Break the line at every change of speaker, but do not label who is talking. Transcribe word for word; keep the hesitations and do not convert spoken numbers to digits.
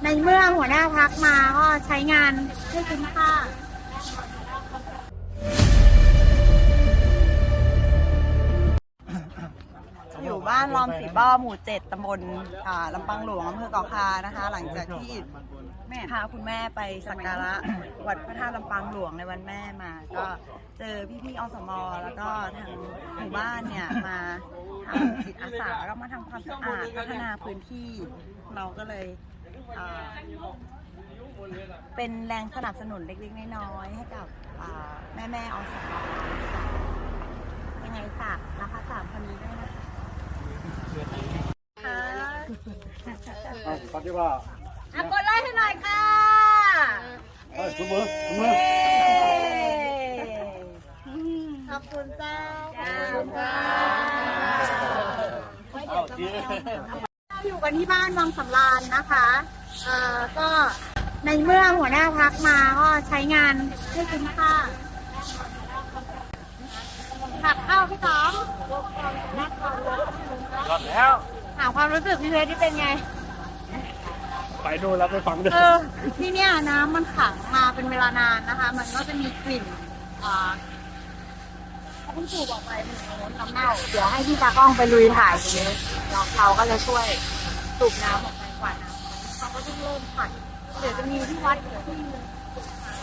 ในเมื่อหัวหน้าพักมาก็ใช้งานให้คุ้มค่าอยู่บ้านลอมสีบ้อหมู่เจ็ดตำบลลำปางหลวงอำเภอเกาะคานะคะ หลังจากที่แม่พาคุณแม่ไปสักการะวัดพระธาตุลำปางหลวงในวันแม่มา ก็เจอพี่ๆอสมแล้วก็ทางหมู่บ้านเนี่ยมาทำจิตอาสาแล้วก็มาทำความสะอาดพัฒนาพื้นที่เราก็เลยเป็นแรงสนับสนุนเล็กๆน้อยๆให้กับแม่แม่อสมยังไงฝากนะคะสามคนนี้ด้วยนะคะ
ค่ะปฏิว่า
อ่ะกดไลค์ให้หน่อยค่ะ
เอ้ยสุมือสุมือ
ขอบคุณเจ้าขอบ
คุ
ณเจ้าเราอยู่กันที่บ้านวังสำราญนะคะเอ่อก็ในเมื่อหัวหน้าพักมาก็ใช้งานให้คุ้มค่าผักเข้าพี่ต้อม
รอดแล้ว
ถามความรู้สึกพี่เพชรที่เป็นไง
ไปดูแล้วไปฟังด้วย
เออที่เนี่ยน้ำมันขังมาเป็นเวลานานนะคะมันก็จะมีกลิ่นอ่าคุณปู่บอกไปมันโน้นน้ำเน่าเดี๋ยวให้พี่ตากล้องไปลุยถ่ายตรงนี้เราเราก็จะช่วยสูบน้ำออกไปกว่าน้ำเขาก็ต้องเริ่มผัดเดี๋ยวจะมีที่วัดที่นึง